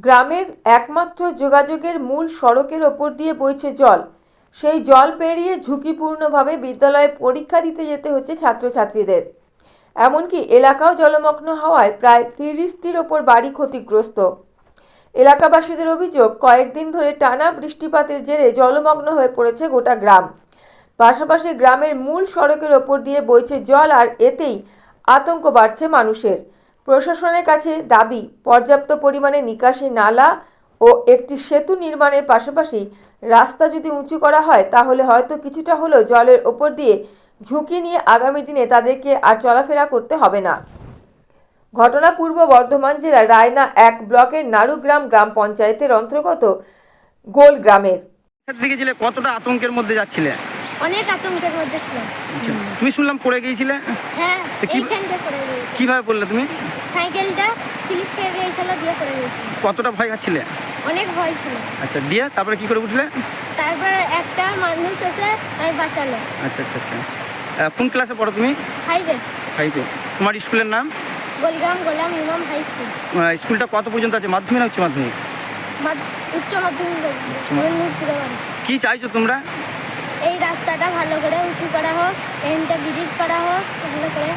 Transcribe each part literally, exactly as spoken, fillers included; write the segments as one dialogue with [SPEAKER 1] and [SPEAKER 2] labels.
[SPEAKER 1] গ্রামের একমাত্র যোগাযোগের মূল সড়কের ওপর দিয়ে বইছে জল। সেই জল পেরিয়ে ঝুঁকিপূর্ণভাবে বিদ্যালয়ে পরীক্ষা দিতে যেতে হচ্ছে ছাত্রছাত্রীদের। এমনকি এলাকাও জলমগ্ন হওয়ায় প্রায় তিরিশটির ওপর বাড়ি ক্ষতিগ্রস্ত। এলাকাবাসীদের অভিযোগ, কয়েকদিন ধরে টানা বৃষ্টিপাতের জেরে জলমগ্ন হয়ে পড়েছে গোটা গ্রাম। পাশাপাশি গ্রামের মূল সড়কের ওপর দিয়ে বইছে জল, আর এতেই আতঙ্ক বাড়ছে মানুষের। প্রশাসনের কাছে দাবি, পর্যাপ্ত পরিমাণে নিকাশি নালা ও একটি সেতু নির্মাণের পাশাপাশি রাস্তা যদি উঁচু করা হয় তাহলে হয়তো কিছুটা হলেও জলের ওপর দিয়ে ঝুঁকি নিয়ে আগামী দিনে তাদেরকে আর চলাফেরা করতে হবে না। ঘটনা পূর্ব বর্ধমান জেলার রায়না এক ব্লকের নারুগ্রাম গ্রাম পঞ্চায়েতের অন্তর্গত গোল গ্রামের।
[SPEAKER 2] কতটা আতঙ্কের মধ্যে যাচ্ছিলে?
[SPEAKER 3] অনেক আতঙ্কের মধ্যে ছিলাম।
[SPEAKER 2] তুমি শুনলাম পড়ে গিয়েছিলে?
[SPEAKER 3] হ্যাঁ, এইখানটা পড়ে গিয়েছি।
[SPEAKER 2] কিভাবে পড়লে তুমি?
[SPEAKER 3] সাইকেলটা স্লিপ খেয়ে গিয়েছিল, দিয়ে পড়ে গিয়েছি।
[SPEAKER 2] কতটা ভয় খাচ্ছিলে?
[SPEAKER 3] অনেক ভয় ছিল।
[SPEAKER 2] আচ্ছা, দিয়ে তারপরে কি করে উঠলে?
[SPEAKER 3] তারপরে একটা মানুষ এসে তাই বাঁচালো।
[SPEAKER 2] আচ্ছা আচ্ছা আচ্ছা কোন ক্লাসে পড়ো তুমি?
[SPEAKER 3] ফাইভে।
[SPEAKER 2] ফাইভে। তোমার স্কুলের নাম?
[SPEAKER 3] গোলগ্রাম গোলাম ইমাম হাই স্কুল।
[SPEAKER 2] স্কুলটা কত পর্যন্ত আছে? মাধ্যমিক না উচ্চ মাধ্যমিক?
[SPEAKER 3] উচ্চ মাধ্যমিক।
[SPEAKER 2] কি চাইছো তোমরা?
[SPEAKER 3] এই রাস্তাটা ভালো করে উঁচু করা হোক, এখানটা ব্রিজ করা হোক, ভালো করে।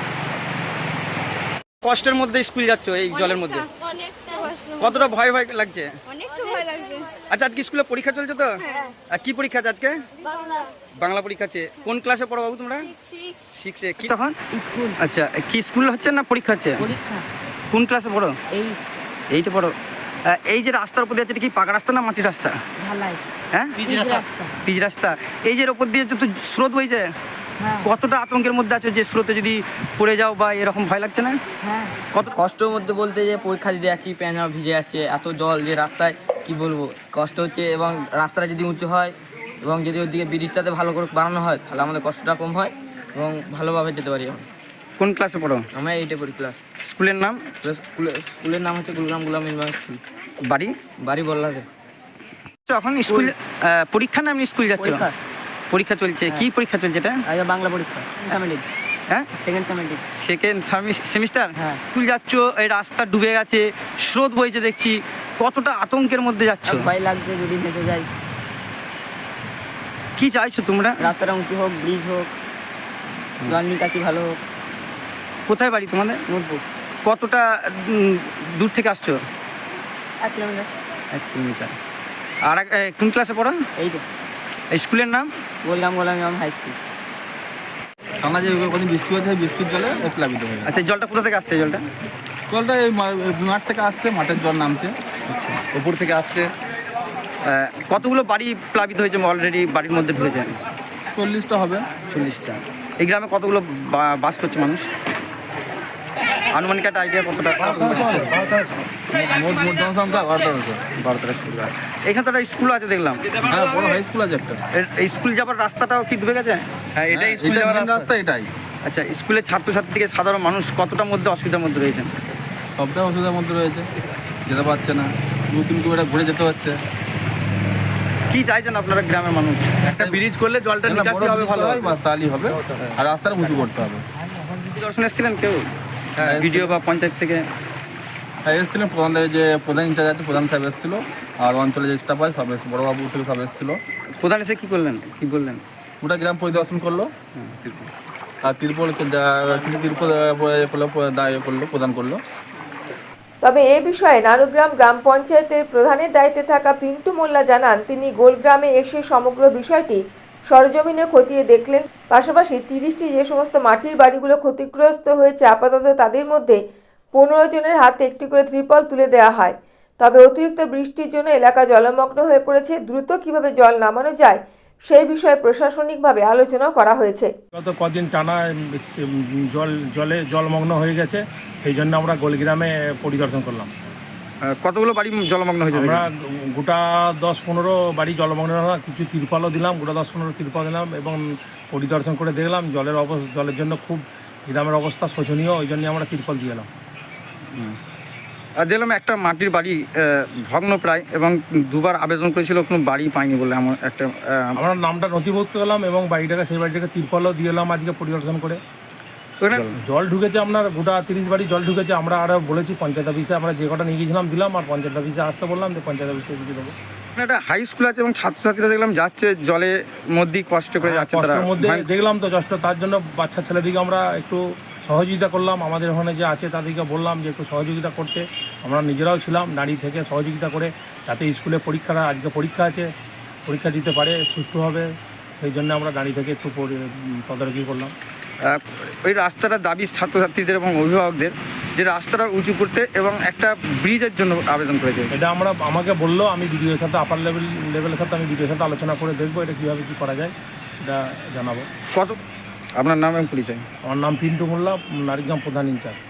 [SPEAKER 2] কষ্টের মধ্যে স্কুল যাচ্ছ এই জলের মধ্যে? কতটা ভয় ভয় লাগছে?
[SPEAKER 3] অনেকটা ভয় লাগছে।
[SPEAKER 2] আচ্ছা, আজকে স্কুলে পরীক্ষা চলছে তো? আর কি পরীক্ষা আছে আজকে?
[SPEAKER 3] বাংলা।
[SPEAKER 2] বাংলা পরীক্ষা আছে। কোন ক্লাসে পড়ো বাবু তোমরা? সিক্সে। কি তখন
[SPEAKER 4] স্কুল?
[SPEAKER 2] আচ্ছা, কি স্কুল হচ্ছে না পরীক্ষা হচ্ছে?
[SPEAKER 4] পরীক্ষা।
[SPEAKER 2] কোন ক্লাসে পড়ো?
[SPEAKER 4] এই
[SPEAKER 2] এইটা পড়ো। এই যে রাস্তার উপর দিয়ে আছে, এটা কি পাকা রাস্তা না মাটির রাস্তা?
[SPEAKER 4] ঢালাই।
[SPEAKER 2] হ্যাঁ,
[SPEAKER 4] পিচ রাস্তা।
[SPEAKER 2] পিচ রাস্তা। এই যে ওপর দিয়ে তো স্রোত বইছে, কতটা আতঙ্কের মধ্যে আছে যে স্রোতে যদি পড়ে যাও বা এরকম ভয় লাগছে না?
[SPEAKER 4] হ্যাঁ,
[SPEAKER 2] কত
[SPEAKER 5] কষ্টের মধ্যে বলতে যে পরীক্ষা দিতে যাচ্ছি, প্যান ভিজে যাচ্ছে, এত জল যে রাস্তায় কি বলবো, কষ্ট হচ্ছে। এবং রাস্তাটা যদি উঁচু হয় এবং যদি ওদিকে ব্রিজটাতে ভালো করে বানানো হয় তাহলে আমাদের কষ্টটা কম হয় এবং ভালোভাবে যেতে পারি।
[SPEAKER 2] কোন ক্লাসে পড়ো?
[SPEAKER 5] আমরা এইটে পড়ি ক্লাস।
[SPEAKER 2] স্কুলের নাম?
[SPEAKER 5] স্কুলের স্কুলের নাম হচ্ছে গোলগ্রাম গোলাম ইউনিভার্সিটি স্কুল।
[SPEAKER 2] বাড়ি?
[SPEAKER 5] বাড়ি বললাতে।
[SPEAKER 2] এখন স্কুল পরীক্ষা না এমনি স্কুল যাচ্ছ? পরীক্ষা চলছে। কি পরীক্ষা চলছে এটা?
[SPEAKER 4] বাংলা পরীক্ষা।
[SPEAKER 2] হ্যাঁ,
[SPEAKER 4] সেকেন্ড সেমিস্টার।
[SPEAKER 2] Second semester.
[SPEAKER 4] হ্যাঁ।
[SPEAKER 2] স্কুল যাচ্ছ, এই রাস্তা ডুবে গেছে, স্রোত বইছে দেখছি, কতটা আতঙ্কের মধ্যে যাচ্ছ?
[SPEAKER 4] ভয় লাগছে যদি ভেসে যায়।
[SPEAKER 2] কি চাইছো তোমরা?
[SPEAKER 4] রাস্তাটা উঁচু হোক, ব্রিজ হোক, জল নিকাশি ভালো হোক।
[SPEAKER 2] কোথায় বাড়ি তোমাদের?
[SPEAKER 4] নোটবুক।
[SPEAKER 2] কতটা উম, দূর থেকে আসছো?
[SPEAKER 4] এক কিলোমিটার।
[SPEAKER 2] এক কিলোমিটার। আর এক- এ, কোন ক্লাসে পড়ো?
[SPEAKER 4] এই তো
[SPEAKER 2] এই স্কুলের নাম?
[SPEAKER 4] গোলগ্রাম গোলাম ইমাম হাই স্কুল।
[SPEAKER 6] টানা যে কদিন বৃষ্টি হয়েছে, বৃষ্টির জলে প্লাবিত হয়ে গেছে।
[SPEAKER 2] আচ্ছা, জলটা কোথা থেকে আসছে? জলটা
[SPEAKER 6] জলটা এই মা- মাঠ থেকে আসছে, মাঠের জল নামছে,
[SPEAKER 2] আচ্ছা,
[SPEAKER 6] উপর থেকে আসছে।
[SPEAKER 2] আহ, কতগুলো বাড়ি প্লাবিত হয়েছে অলরেডি? বাড়ির মধ্যে ঢুকেছে
[SPEAKER 6] চল্লিশটা হবে।
[SPEAKER 2] চল্লিশটা। এই গ্রামে কতগুলো বা- বাস করছে মানুষ? আনুমানিক একটা আইডিয়া কতটা?
[SPEAKER 6] মোট মোট জনসংখ্যা বারো তেরোশো।
[SPEAKER 2] বারো তেরো স্কুল। এখানে তো একটা স্কুল আছে দেখলাম।
[SPEAKER 6] হ্যাঁ, বড় হাই স্কুল আছে একটা।
[SPEAKER 2] এর- এই স্কুল যাবার রাস্তাটাও কি ডুবে গেছে?
[SPEAKER 6] হ্যাঁ, এটাই স্কুল যাওয়ার রাস্তা, এটাই।
[SPEAKER 2] আচ্ছা, স্কুলের ছাত্রছাত্রী থেকে সাধারণ মানুষ কতটার মধ্যে অসুবিধার মধ্যে রয়েছেন?
[SPEAKER 6] সবটাই অসুবিধার মধ্যে রয়েছে, যেতে পারছে না, দু তিন কিলোমিটার ঘুরে যেতে হচ্ছে।
[SPEAKER 2] কি চাইছেন আপনারা গ্রামের মানুষ?
[SPEAKER 6] একটা ব্রিজ করলে জলটা নিকাশি হবে, ভালো হয়, বাস তাহলেই হবে। আর রাস্তাটা উঁচু করতে হবে।
[SPEAKER 2] দর্শন এসেছিলেন কেউ?
[SPEAKER 6] হ্যাঁ,
[SPEAKER 2] ভিডিও বা পঞ্চায়েত থেকে?
[SPEAKER 6] হ্যাঁ, এসেছিলেন প্রধান, যে প্রধান ইনচার্জ আছে, প্রধান সাহেব এসেছিল, আর অঞ্চলে যে স্টাফ হয় সব এসে, বড়োবাবু থেকে সব এসেছিলো।
[SPEAKER 2] প্রধান এসে কি করলেন, কি বললেন?
[SPEAKER 6] গোটা গ্রাম পরিদর্শন করলো, আর তিরপল কিছু তিরপল করলো, প্রদান করলো।
[SPEAKER 1] তবে এ বিষয়ে নারুগ্রাম গ্রাম পঞ্চায়েতের প্রধানের দায়িত্বে থাকা পিন্টু মোল্লা জানান, তিনি গোলগ্রামে এসে সমগ্র বিষয়টি সরজমিনে খতিয়ে দেখলেন। পাশাপাশি তিরিশটি যে সমস্ত মাটির বাড়িগুলো ক্ষতিগ্রস্ত হয়েছে, আপাতত তাদের মধ্যে পনেরো জনের হাতে একটি করে ত্রিপল তুলে দেওয়া হয়। তবে অতিরিক্ত বৃষ্টির জন্য এলাকা জলমগ্ন হয়ে পড়েছে। দ্রুত কিভাবে জল নামানো যায় সেই বিষয়ে প্রশাসনিকভাবে আলোচনাও করা হয়েছে।
[SPEAKER 7] গত কদিন টানা জল জলে জলমগ্ন হয়ে গেছে, সেই জন্য আমরা গোলগ্রামে পরিদর্শন করলাম।
[SPEAKER 2] আহ, কতগুলো বাড়ি জলমগ্ন হয়েছে?
[SPEAKER 7] আমরা গোটা দশ পনেরো বাড়ি জলমগ্ন হওয়া, কিছু তিরপালও দিলাম, গোটা দশ পনেরো তিরপাল দিলাম এবং পরিদর্শন করে দেখলাম জলের অবস্থা, জলের জন্য খুব গ্রামের অবস্থা শোচনীয়, ওই জন্য আমরা তিরপাল দিয়ে এলাম।
[SPEAKER 2] আর দেখলাম একটা মাটির বাড়ি ভগ্ন প্রায়, এবং দুবার আবেদন করেছিল, কোনো বাড়ি পাইনি বলে আমার একটা।
[SPEAKER 7] আমরা নামটা নথিভুক্ত করলাম এবং বাড়িটাকে সেই বাড়িটাকে তিরপালও দিয়ে এলাম আজকে পরিদর্শন করে।
[SPEAKER 2] ওখানে
[SPEAKER 7] জল ঢুকেছে আপনার গোটা তিরিশ বাড়ি জল ঢুকেছে। আমরা আরও বলেছি পঞ্চায়েত অফিসে, আমরা যে কটা নিয়ে গিয়েছিলাম দিলাম, আর পঞ্চায়েত অফিসে আসতে বললাম যে পঞ্চায়েত অফিসে কিছু দেবো।
[SPEAKER 2] একটা হাই স্কুল আছে এবং ছাত্রছাত্রীরা দেখলাম যাচ্ছে জলের মধ্যেই কষ্ট করে যাচ্ছে তারা।
[SPEAKER 7] কষ্টের মধ্যে
[SPEAKER 2] ভয়ঙ্কর-
[SPEAKER 7] দেখলাম তো কষ্ট, তার জন্য বাচ্চা ছেলেদিকে আমরা একটু সহযোগিতা করলাম। আমাদের ওখানে যে আছে তাদেরকে বললাম যে একটু সহযোগিতা করতে। আমরা নিজেরাও ছিলাম দাঁড়িয়ে থেকে সহযোগিতা করে, যাতে স্কুলে পরীক্ষাটা, আজকে পরীক্ষা আছে, পরীক্ষা দিতে পারে সুষ্ঠুভাবে। সেই জন্য আমরা দাঁড়িয়ে থেকে একটু পরি- তদারকি করলাম।
[SPEAKER 2] আহ, ওই রাস্তাটার দাবি ছাত্রছাত্রীদের এবং অভিভাবকদের যে রাস্তাটা উঁচু করতে এবং একটা ব্রিজের জন্য আবেদন করেছে।
[SPEAKER 7] এটা আমরা আমাকে বললো, আমি বিডিওর সাথে আপার লেভেল লেভেলের সাথে আমি বিডিওর সাথে আলোচনা করে দেখবো এটা কীভাবে কী করা যায়, সেটা জানাবো।
[SPEAKER 2] কত আপনার নাম এবং পরিচয়?
[SPEAKER 7] আমার নাম পিন্টু মোল্লা, নারিগ্রাম প্রধান ইনচার্জ।